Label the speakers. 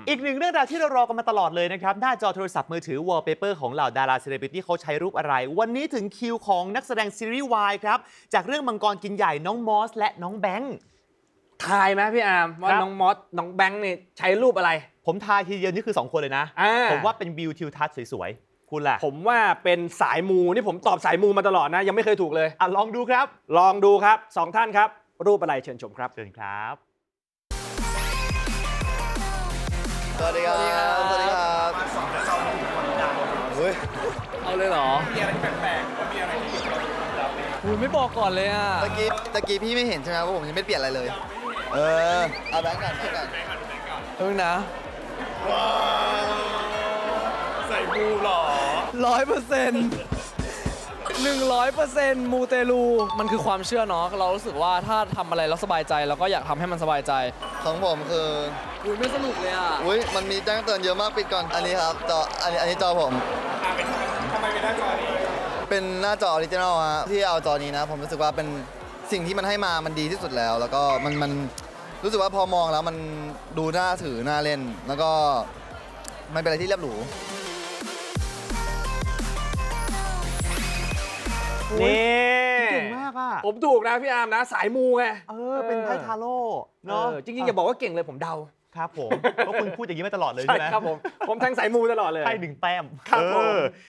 Speaker 1: อีกหนึ่งเรื่องราวที่เรารอกันมาตลอดเลยนะครับหน้าจอโทรศัพท์มือถือ wallpaper ของเหล่าดาราเซเลบริตี้เขาใช้รูปอะไร วันนี้ถึงคิวของนักแสดงซีรีส์วายครับจากเรื่องมังกรกินใหญ่น้องมอสและน้องแบงค์
Speaker 2: ทายไหมพี่อาร์มว่าน้องมอสน้องแบงค์เนี่ยใช้รูปอะไร
Speaker 1: ผมทายทีเดียวนี่คือ2คนเลยนะผมว่าเป็นวิวทิวทัศน์สวยๆคุณล่ะ
Speaker 2: ผมว่าเป็นสายมูนี่ผมตอบสายมูมาตลอดนะยังไม่เคยถูกเลย
Speaker 1: ลองดูครับ
Speaker 2: ลองดูครับ2ท่านครับรูปอะไรเชิญชมครับ
Speaker 1: เชิญครับ
Speaker 3: สวัสดีครับ สวัสดีครับเฮ้ย
Speaker 4: เอาเลยเหรอ มีอะไรแปลกๆมีอะไรที่คุณไม่บอกก่อนเลยอ่ะ
Speaker 3: ตะกี้พี่ไม่เห็นใช่ไหมว่าผมยังไม่เปลี่ยนอะไรเลย เอาแบงค์ก่อน
Speaker 4: เพิ่งนะ
Speaker 5: ใส่บูหรอ
Speaker 4: 100%มูเตลูมันคือความเชื่อเนาะเรารู้สึกว่าถ้าทำอะไรแล้วสบายใจเราก็อยากทำให้มันสบายใจ
Speaker 3: ของผมคือ
Speaker 4: อุ้ยไม่สนุกเลยอ่ะ
Speaker 3: อุ้ยมันมีแจ้งเตือนเยอะมากปิดก่อน อันนี้ครับจออันนี้จอผม
Speaker 5: ทำไมเป็นหน้าจอนี้
Speaker 3: เป็นหน้าจอออริจินอลฮะที่เอาจอนี้นะ ผมรู้สึกว่าเป็นสิ่งที่มันให้มามันดีที่สุดแล้ว แล้วก็มันรู้สึกว่าพอมองแล้วมันดูน่าถือน่าเล่น แล้วก็มันเป็นอะไรที่เรียบหรู
Speaker 1: นี่
Speaker 2: เก่งมากอ่ะผมถูกนะพี่อาร์มนะสายมูไง
Speaker 1: เป็นไพ่ทาโร่เนาะ
Speaker 2: จริงๆอย่าบอกว่าเก่งเลยผมเดา
Speaker 1: ครับผมเพราะคุณพูดอย่างนี้มาตลอดเลยใช่ไหม
Speaker 2: ครับผมแทงสายมูตลอดเลย
Speaker 1: ไพ่1 แต้ม
Speaker 2: ครับผม